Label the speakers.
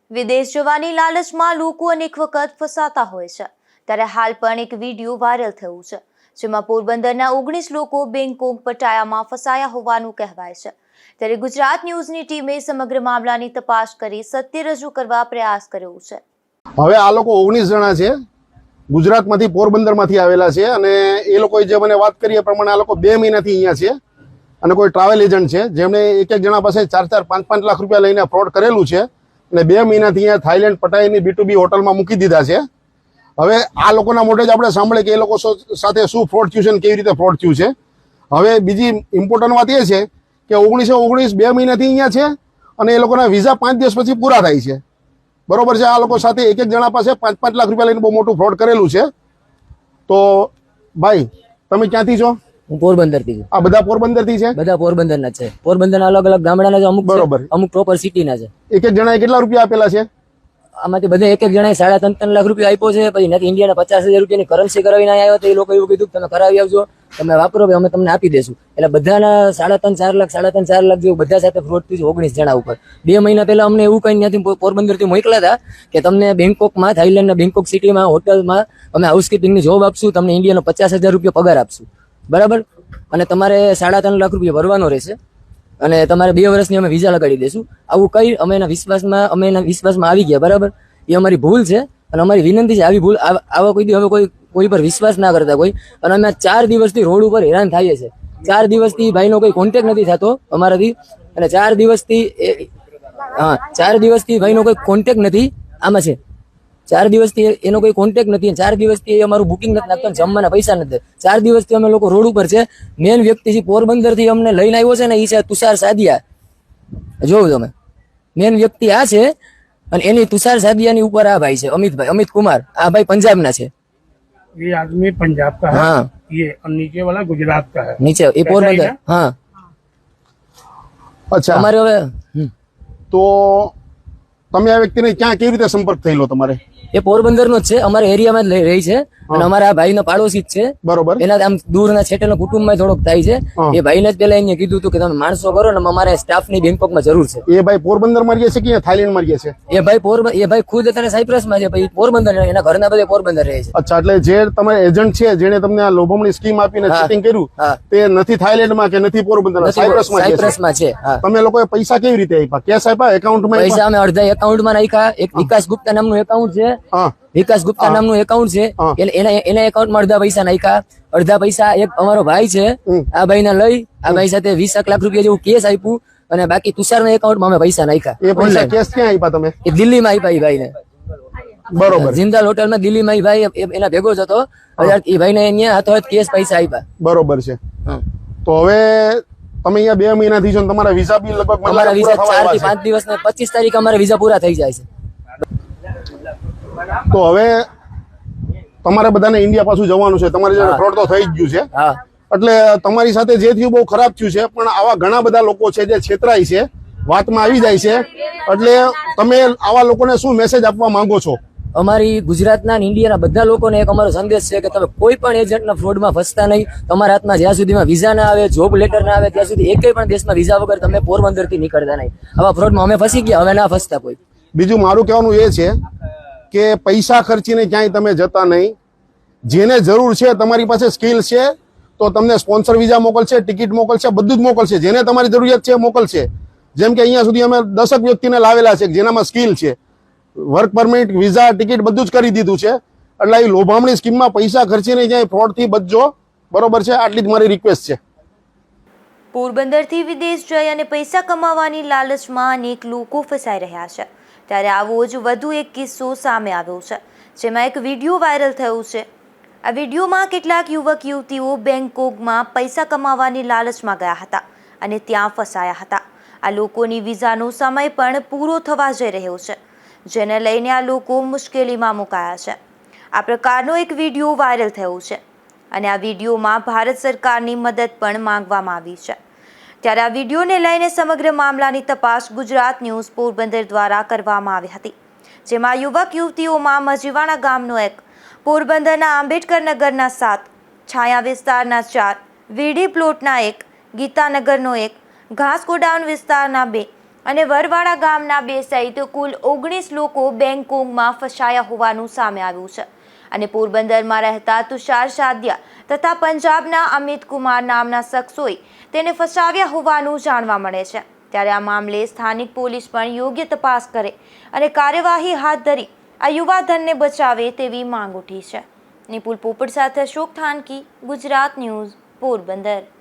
Speaker 1: વિદેશ જવાની લાલચમાં લોકો અનેક વખત ફસાતા હોય છે, ત્યારે હાલ પણ એક વિડીયો વાયરલ થયું છે, જેમાં પોરબંદરના 19 લોકો બેંકોક પટાયામાં ફસાયા હોવાનું કહેવાય છે. ત્યારે ગુજરાત ન્યૂઝની ટીમે સમગ્ર મામલાની તપાસ કરી સત્ય રજૂ કરવા પ્રયાસ કર્યો છે.
Speaker 2: હવે આ લોકો 19 જણા છે, ગુજરાતમાંથી પોરબંદરમાંથી આવેલા છે અને એ લોકોએ જે મને વાત કરી એ પ્રમાણે આ લોકો 2 મહિનાથી અહીંયા છે અને કોઈ ટ્રાવેલ એજન્ટ છે જેમણે એક જણા પાસે 4-4, 5-5 લાખ રૂપિયા લઈને ફ્રોડ કરેલું છે અને 2 મહિનાથી અહીંયા થાઈલેન્ડ પટાઈની B2B હોટલમાં મૂકી દીધા છે. હવે આ લોકોના મોઢે જ આપણે સાંભળે કે એ લોકો સાથે શું ફ્રોડ થયું છે અને કેવી રીતે ફ્રોડ થયું છે. હવે બીજી ઇમ્પોર્ટન્ટ વાત એ છે કે 19 2 મહિનાથી અહીંયા છે અને એ લોકોના વિઝા 5 દિવસ પછી પૂરા થાય છે. બરોબર છે. આ લોકો સાથે એક જણા પાસે 5-5 લાખ રૂપિયા લઈને બહુ મોટું ફ્રોડ કરેલું છે. તો ભાઈ તમે ક્યાંથી છો?
Speaker 3: હું પોરબંદરથી છું.
Speaker 2: આ બધા પોરબંદરથી છે?
Speaker 3: બધા પોરબંદરના છે. પોરબંદરના અલગ અલગ ગામડાના છે, અમુક
Speaker 2: બરોબર,
Speaker 3: અમુક પ્રોપર સિટીના છે.
Speaker 2: એક જણાએ કેટલા રૂપિયા આપેલા છે?
Speaker 3: આમાંથી બધા એક જણાએ 3.5 લાખ રૂપિયા આપ્યો છે. પછી નથી ઇન્ડિયાના 50,000 રૂપિયાની કરન્સી કરાવીને આવ્યો તો એ લોકો એવું કીધું કે તમે કરાવી આવજો, તમે વાપરો, અમે તમને આપી દેશું. એટલે બધાના 3.5-4 લાખ જેવું બધા સાથે ફ્રોડ થયું છે 19 જણા ઉપર. 2 મહિના પહેલા અમને એવું કઈ ત્યાંથી પોરબંદરથી મોકલ્યા હતા કે તમને બેંકોકમાં, થાઈલેન્ડના બેંકોક સિટીમાં હોટલમાં અમે હાઉસકીપિંગની જોબ આપશું, તમને ઇન્ડિયાનો 50,000 રૂપિયા પગાર આપશું, બરાબર, અને તમારે 3.5 લાખ રૂપિયા ભરવાનો રહેશે અને તમારે 2 વર્ષની અમે વિઝા લગાડી દઈશું. આવું કઈ અમે એના વિશ્વાસમાં આવી ગયા, બરાબર. એ અમારી ભૂલ છે અને અમારી વિનંતી છે, આવી ભૂલ આવા હવે કોઈ પર વિશ્વાસ ના કરતા કોઈ. અને અમે 4 દિવસથી રોડ ઉપર હેરાન થઈએ છીએ. 4 દિવસથી ભાઈનો કોઈ કોન્ટેક્ટ નથી થતો અમારાથી, અને 4 દિવસથી ભાઈનો કોઈ કોન્ટેક્ટ નથી. આમાં છે 4 દિવસથી એનો કોઈ કોન્ટેક્ટ નથી, 4 દિવસથી અમારું બુકિંગ નથી નાખતો, જમવાના પૈસા નથી. 4 દિવસથી અમે લોકો રોડ ઉપર છે. મેન વ્યક્તિ જે પોરબંદરથી અમને લઈને આવ્યો છે ને, એ છે તુષાર સાદિયા. જોવું તમે, મેન વ્યક્તિ આ છે અને એની તુષાર સાદિયાની ઉપર આ ભાઈ છે અમિત કુમાર. આ ભાઈ પંજાબના છે.
Speaker 4: ये आदमी पंजाब का है,
Speaker 3: हाँ,
Speaker 4: ये और नीचे वाला गुजरात का है.
Speaker 3: નીચે એ પોરબંદર. હા,
Speaker 2: અચ્છા.
Speaker 3: અમારે હવે
Speaker 2: તો તમે આ વ્યક્તિને ક્યાં કેવી રીતે સંપર્ક થયેલો તમારે?
Speaker 3: એ પોરબંદરનો જ છે, અમારા એરિયામાં જ રહી છે અને અમારા આ ભાઈનો પાડોશી જ છે.
Speaker 2: બરોબર.
Speaker 3: એના આમ દૂરના છેટેલા કુટુંબમાં થોડોક થાય છે. એ ભાઈને જ પેલા એને કીધું હતું કે તમે માણસો કરો ને, અમારે સ્ટાફની બેંકોકમાં જરૂર છે.
Speaker 2: એ ભાઈ પોરબંદરમાં રહે છે કે થાઈલેન્ડમાં રહે છે?
Speaker 3: એ ભાઈ ખુદ અત્યારે સાયપ્રસમાં છે, પછી પોરબંદર, એના ઘરના બધા પોરબંદર રહે છે.
Speaker 2: અચ્છા, એટલે જે તમારે એજન્ટ છે જેને તમને આ લોભામણી સ્કીમ આપીને ચીટિંગ કર્યું, તે નથી થાઈલેન્ડમાં કે નથી પોરબંદરમાં,
Speaker 3: સાયપ્રસમાં છે.
Speaker 2: તમે લોકોએ પૈસા કેવી રીતે આપ્યા? કેશ આપ્યા? એકાઉન્ટમાં
Speaker 3: પૈસા અમે અડધા એકાઉન્ટમાં નાખ્યા. એક વિકાસ ગુપ્તા નામનું એકાઉન્ટ છે, વિકાસ ગુપ્તા નામનું એકાઉન્ટ છે, એના એકાઉન્ટમાં અડધા પૈસા નાખ્યા. અડધા પૈસા એક અમારો ભાઈ છે, આ ભાઈને લઈ આ ભાઈ સાથે 20 લાખ રૂપિયા જેવું કેસ આપ્યું અને બાકી તુષારના એકાઉન્ટમાં અમે પૈસા નાખ્યા.
Speaker 2: એ પૈસા કેશ ક્યાં આપ્યા તમે?
Speaker 3: એ દિલ્હીમાં આપ્યા એ ભાઈને.
Speaker 2: બરોબર.
Speaker 3: જિંદાલ હોટલમાં દિલ્હીમાં એ ભાઈ એના ભેગો જ હતો. એ ભાઈને અહીંયા હાથોહાથ કેસ પૈસા આપ્યા.
Speaker 2: બરોબર છે. તો હવે તમે અહીંયા 2 મહિનાથી છો, તમારા વિઝા બી લગભગ
Speaker 3: અમારા વિઝા 4 થી 5 દિવસ ને 25 તારીખે અમારા વિઝા પૂરા થઈ જાય છે.
Speaker 2: તો હવે તમારે બધાને ઇન્ડિયા પાછું જવાનું છે. તમારી જોડે ફ્રોડ તો થઈ જ ગયું છે.
Speaker 3: હા,
Speaker 2: એટલે તમારી સાથે જે થયું બહુ ખરાબ થયું છે, પણ આવા ઘણા બધા લોકો છે જે છેતરાય છે, વાતમાં આવી જાય છે. એટલે તમે આવા લોકોને શું મેસેજ આપવા માંગો છો?
Speaker 3: અમારી ગુજરાતના અને ઇન્ડિયાના બધા લોકોને એક અમારો સંદેશ છે કે તમે કોઈ પણ એજન્ટના ફ્રોડમાં ફસતા નહીં. તમારા હાથમાં જ્યાં સુધીમાં વિઝા ના આવે, જોબ લેટર ના આવે, ત્યાં સુધી એકેય પણ દેશમાં વિઝા વગર તમે પોરબંદરથી નીકળતા નહીં. આવા ફ્રોડમાં અમે ફસી ગયા, હવે ના ફસતા કોઈ.
Speaker 2: બીજું મારું કહેવાનું એ છે કે પૈસા ખર્ચીને ક્યાંય તમે જતા નહીં. જેને જરૂર છે, તમારી પાસે સ્કિલ છે તો તમને સ્પોન્સર વિઝા મોકલશે, ટિકિટ મોકલશે, બધું જ મોકલશે. જેને તમારી જરૂરિયાત છે મોકલશે. જેમ કે અહીંયા સુધી અમે 10 વ્યક્તિને લાવેલા છે જેનામાં સ્કિલ છે, વર્ક પરમિટ, વિઝા, ટિકિટ બધું જ કરી દીધું છે. એટલે એ લોભામણી સ્કીમમાં પૈસા ખર્ચીને ક્યાંય ફ્રોડથી બચજો, બરોબર છે? આટલી જ મારી રિક્વેસ્ટ છે.
Speaker 1: પોરબંદરથી વિદેશ જઈ અને પૈસા કમાવાની લાલચમાં અનેક લોકો ફસાઈ રહ્યા છે. ત્યારે આવો જ વધુ એક કિસ્સો સામે આવ્યો છે, જેમાં એક વિડીયો વાયરલ થયો છે. આ વિડીયોમાં કેટલાક યુવક યુવતીઓ બેંકોકમાં પૈસા કમાવાની લાલચમાં ગયા હતા અને ત્યાં ફસાયા હતા. આ લોકોની વિઝાનો સમય પણ પૂરો થવા જઈ રહ્યો છે, જેને લઈને આ લોકો મુશ્કેલીમાં મુકાયા છે. આ પ્રકારનો એક વિડીયો વાયરલ થયો છે અને આ વિડીયોમાં ભારત સરકારની મદદ પણ માંગવામાં આવી છે. ત્યારે આ વિડીયોને લઈને સમગ્ર મામલાની તપાસ ગુજરાત ન્યૂઝ પોરબંદર દ્વારા કરવામાં આવી હતી, જેમાં યુવક યુવતીઓમાં મજીવાણા ગામનો 1, પોરબંદરના આંબેડકર નગરના 7, છાયા વિસ્તારના 4, વીડી પ્લોટના 1, ગીતાનગરનો 1, ઘાસ ગોડાઉન વિસ્તારના 2 અને વરવાડા ગામના 2 સહિત કુલ 19 લોકો બેંગકોકમાં ફસાયા હોવાનું સામે આવ્યું છે અને પોરબંદરમાં રહેતા તુષાર સાદિયા તથા પંજાબના અમિત કુમાર નામના શખ્સોએ તેને ફસાવ્યા હોવાનું જાણવા મળે છે। ત્યારે આ મામલે સ્થાનિક પોલીસ પણ યોગ્ય તપાસ કરે અને કાર્યવાહી હાથ ધરી આ યુવાધનને બચાવે તેવી માંગ ઉઠી છે। નિપુલ પોપટ સાથે અશોક થાનકી, ગુજરાત ન્યૂઝ, પોરબંદર।